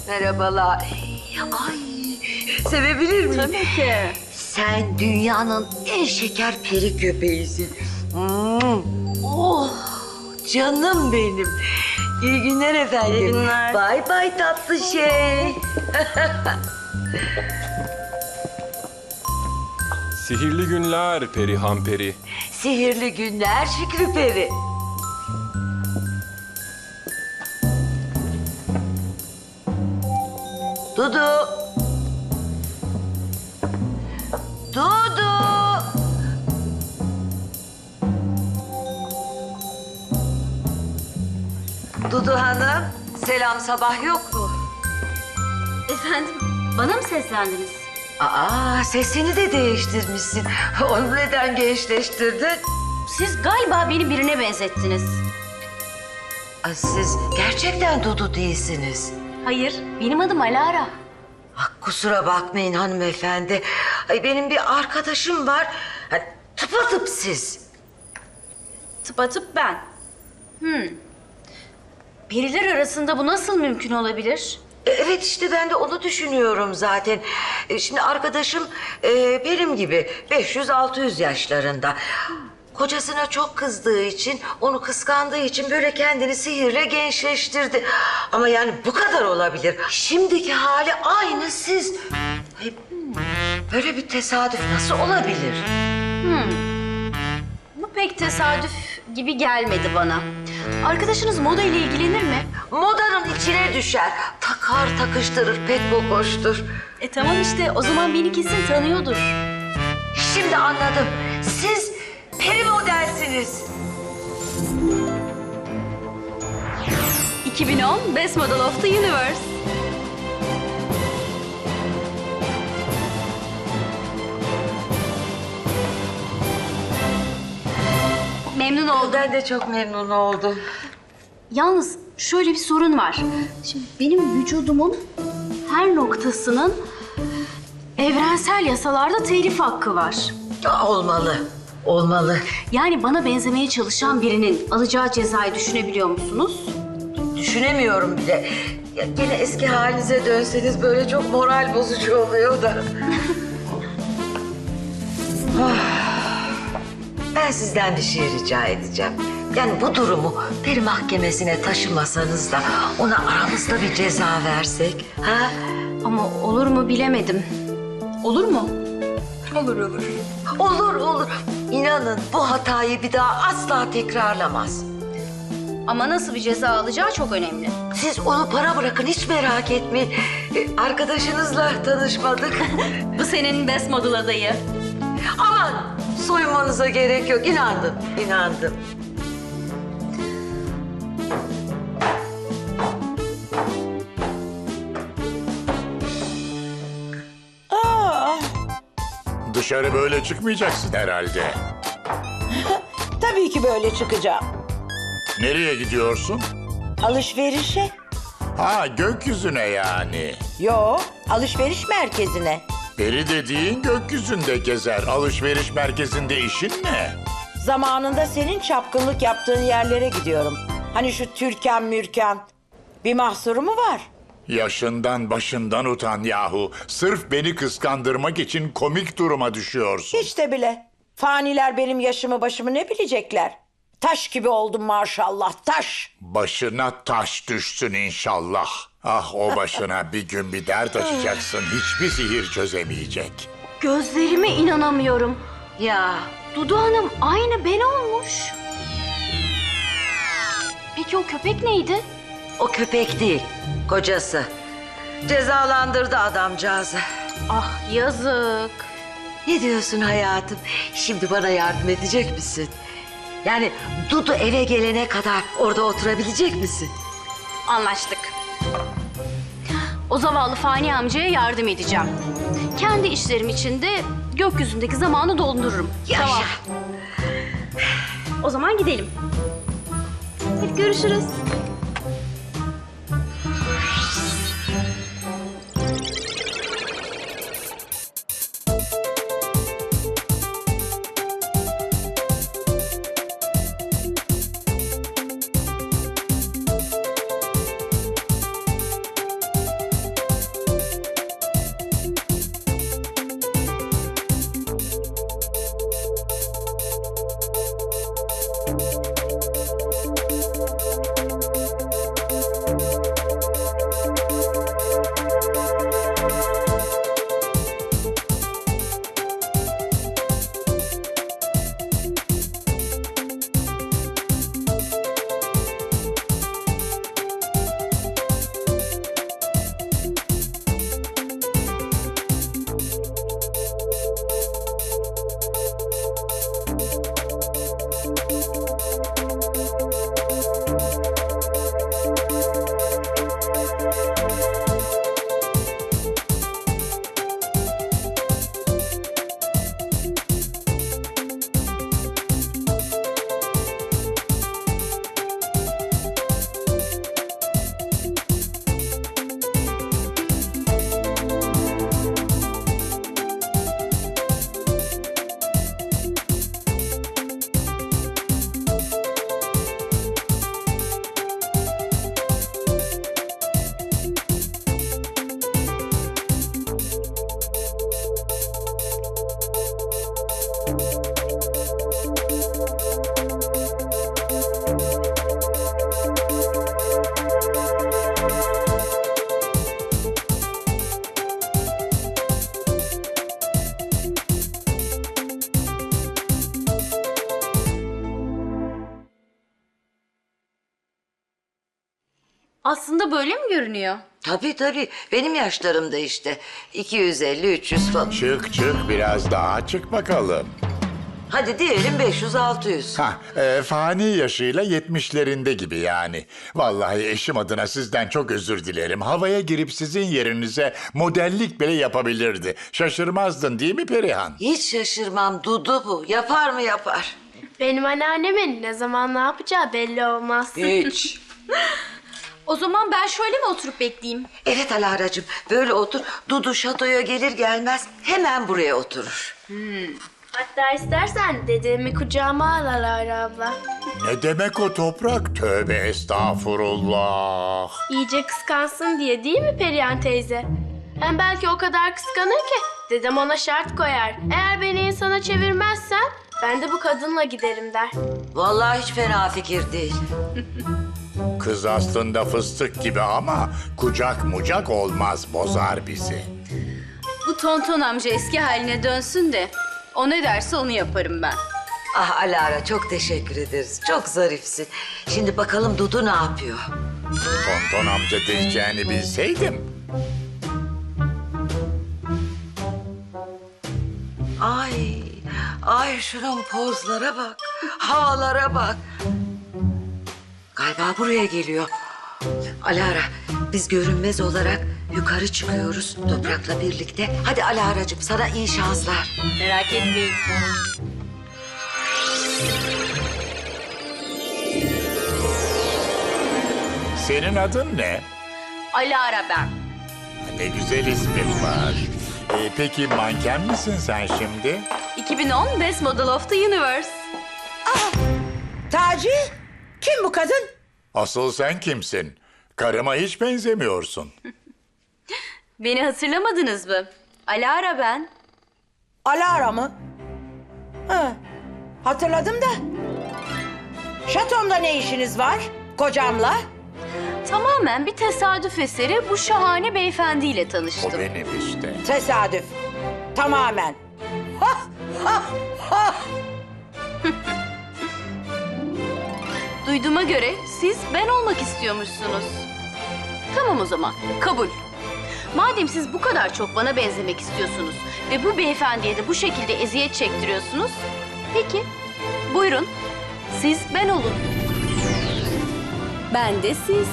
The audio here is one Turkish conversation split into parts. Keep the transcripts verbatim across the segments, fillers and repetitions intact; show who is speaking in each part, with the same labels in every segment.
Speaker 1: Merhabalar. Ay, sevebilir miyim?
Speaker 2: Tabii ki.
Speaker 1: Sen dünyanın en şeker peri köpeğisin. Hmm. Oh, canım benim. İyi günler efendim.
Speaker 2: İyi günler.
Speaker 1: Bay bay tatlı şey.
Speaker 3: Sihirli günler Perihan Peri.
Speaker 1: Sihirli günler Şükrü Peri. Dudu. Dudu. Dudu Hanım, selam sabah yok mu?
Speaker 2: Efendim, bana mı seslendiniz?
Speaker 1: Aa, sesini de değiştirmişsin. Onu neden gençleştirdin?
Speaker 2: Siz galiba beni birine benzettiniz.
Speaker 1: Ay, siz gerçekten Dudu değilsiniz.
Speaker 2: Hayır, benim adım Alara.
Speaker 1: Ah, kusura bakmayın hanımefendi. Ay, benim bir arkadaşım var. Ha, tıpatıp siz.
Speaker 2: Tıpatıp ben. Hmm. Biriler arasında bu nasıl mümkün olabilir?
Speaker 1: E, Evet işte ben de onu düşünüyorum zaten. E, Şimdi arkadaşım e, benim gibi beş yüz altı yüz yaşlarında. Kocasına çok kızdığı için, onu kıskandığı için böyle kendini sihirle gençleştirdi. Ama yani bu kadar olabilir. Şimdiki hali aynı siz. Ay, böyle bir tesadüf nasıl olabilir?
Speaker 2: Bu pek tesadüf gibi gelmedi bana. Arkadaşınız moda ile ilgilenir mi?
Speaker 1: Modanın içine düşer. Takar takıştırır, pek kokoştur.
Speaker 2: E tamam işte, o zaman beni kesin tanıyordur.
Speaker 1: Şimdi anladım. Siz peri modelsiniz.
Speaker 2: iki bin on Best Model of the Universe. Memnun oldum.
Speaker 1: Ben de çok memnun oldum.
Speaker 2: Yalnız şöyle bir sorun var. Şimdi benim vücudumun her noktasının evrensel yasalarda telif hakkı var.
Speaker 1: Aa, Olmalı, olmalı.
Speaker 2: Yani bana benzemeye çalışan birinin alacağı cezayı düşünebiliyor musunuz?
Speaker 1: Düşünemiyorum bile. Ya, gene eski halinize dönseniz böyle çok moral bozucu oluyor da. Ah, ben sizden bir şey rica edeceğim. Yani bu durumu peri mahkemesine taşımasanız da ona aramızda bir ceza versek. Ha?
Speaker 2: Ama olur mu bilemedim. Olur mu?
Speaker 1: Olur olur. Olur olur. İnanın bu hatayı bir daha asla tekrarlamaz.
Speaker 2: Ama nasıl bir ceza alacağı çok önemli.
Speaker 1: Siz onu para bırakın, hiç merak etmeyin. Ee, arkadaşınızla tanışmadık.
Speaker 2: Bu senin best model adayı.
Speaker 1: Aman soyunmanıza gerek yok. İnandım, inandım.
Speaker 4: Dışarı böyle çıkmayacaksın herhalde.
Speaker 5: Tabii ki böyle çıkacağım.
Speaker 4: Nereye gidiyorsun?
Speaker 5: Alışverişe.
Speaker 4: Ha, gökyüzüne yani.
Speaker 5: Yo, alışveriş merkezine.
Speaker 4: Peri dediğin gökyüzünde gezer. Alışveriş merkezinde işin ne?
Speaker 5: Zamanında senin çapkınlık yaptığın yerlere gidiyorum. Hani şu Türkan Mürkan. Bir mahsuru mu var?
Speaker 4: Yaşından başından utan yahu. Sırf beni kıskandırmak için komik duruma düşüyorsun.
Speaker 5: Hiç de bile. Faniler benim yaşımı başımı ne bilecekler? Taş gibi oldum maşallah, taş.
Speaker 4: Başına taş düşsün inşallah. Ah, o başına bir gün bir dert açacaksın. Hiçbir sihir çözemeyecek.
Speaker 2: Gözlerime inanamıyorum.
Speaker 1: Ya
Speaker 2: Dudu Hanım aynı ben olmuş. Peki o köpek neydi?
Speaker 1: o köpek değil, kocası. Cezalandırdı adamcağızı.
Speaker 2: Ah yazık.
Speaker 1: Ne diyorsun hayatım? Şimdi bana yardım edecek misin? Yani Dudu eve gelene kadar orada oturabilecek misin?
Speaker 2: Anlaştık. O zavallı Fani amcaya yardım edeceğim. Kendi işlerim için de gökyüzündeki zamanı doldururum.
Speaker 1: Yaşa.
Speaker 2: Tamam. O zaman gidelim. Hadi görüşürüz. Aslında böyle mi görünüyor?
Speaker 1: Tabii tabii. Benim yaşlarımda işte. iki yüz elli üç yüz falan.
Speaker 4: Çık çık biraz daha çık bakalım.
Speaker 1: Hadi diyelim beş yüz altı yüz.
Speaker 4: Ha, e, fani yaşıyla yetmişlerinde gibi yani. Vallahi eşim adına sizden çok özür dilerim. Havaya girip sizin yerinize modellik bile yapabilirdi. Şaşırmazdın değil mi Perihan?
Speaker 1: Hiç şaşırmam. Dudu bu. Yapar mı yapar.
Speaker 6: Benim anneannemin ne zaman ne yapacağı belli olmaz.
Speaker 1: Hiç.
Speaker 2: O zaman ben şöyle mi oturup bekleyeyim?
Speaker 1: Evet Alara'cığım. Böyle otur. Dudu şatoya gelir gelmez hemen buraya oturur.
Speaker 6: Hatta istersen dedemi kucağıma al Alara abla.
Speaker 4: Ne demek o toprak? Tövbe estağfurullah.
Speaker 6: İyice kıskansın diye değil mi Perihan teyze? Hem belki o kadar kıskanır ki dedem ona şart koyar. Eğer beni insana çevirmezsen ben de bu kadınla giderim der.
Speaker 1: Vallahi hiç fena fikir değil.
Speaker 4: Kız aslında fıstık gibi ama kucak mucak olmaz, bozar bizi.
Speaker 2: Bu tonton amca eski haline dönsün de o ne derse onu yaparım ben.
Speaker 1: Ah Alara çok teşekkür ederiz. Çok zarifsin. Şimdi bakalım Dudu ne yapıyor?
Speaker 4: Tonton amca diyeceğini bilseydim.
Speaker 1: Ay, ay şunun pozlara bak. Havalara bak. Galiba buraya geliyor. Alara, biz görünmez olarak yukarı çıkıyoruz Toprak'la birlikte. Hadi Alara'cığım sana iyi şanslar.
Speaker 2: Merak etmeyin.
Speaker 4: Senin adın ne?
Speaker 2: Alara ben.
Speaker 4: Ne güzel ismin var. Ee, peki manken misin sen şimdi?
Speaker 2: iki bin on Best Model of the Universe.
Speaker 5: Taci, kim bu kadın?
Speaker 4: Asıl sen kimsin? Karıma hiç benzemiyorsun.
Speaker 2: Beni hatırlamadınız mı? Alara ben.
Speaker 5: Alara mı? Ha, hatırladım da. Şatomda ne işiniz var? Kocamla?
Speaker 2: Tamamen bir tesadüf eseri bu şahane beyefendiyle
Speaker 4: O
Speaker 2: tanıştım.
Speaker 4: benim işte.
Speaker 5: Tesadüf. Tamamen. Ha, ha, ha.
Speaker 2: Duyduğuma göre siz ben olmak istiyormuşsunuz. Tamam o zaman, kabul. Madem siz bu kadar çok bana benzemek istiyorsunuz ve bu beyefendiye de bu şekilde eziyet çektiriyorsunuz, peki buyurun siz ben olun. Ben de siz.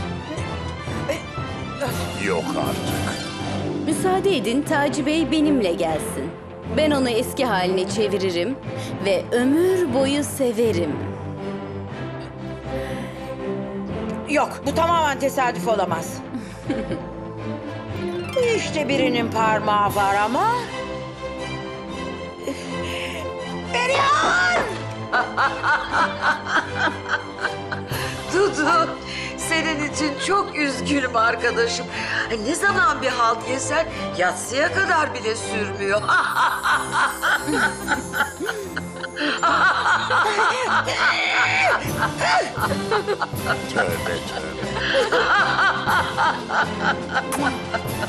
Speaker 4: Yok artık.
Speaker 7: Müsaade edin Taci Bey benimle gelsin. Ben onu eski haline çeviririm ve ömür boyu severim.
Speaker 5: Yok, bu tamamen tesadüf olamaz. İşte birinin parmağı var ama... Perihan!
Speaker 1: Dudu, senin için çok üzgünüm arkadaşım. Ay, ne zaman bir halt yesen yatsıya kadar bile sürmüyor.
Speaker 4: Tövbe tövbe.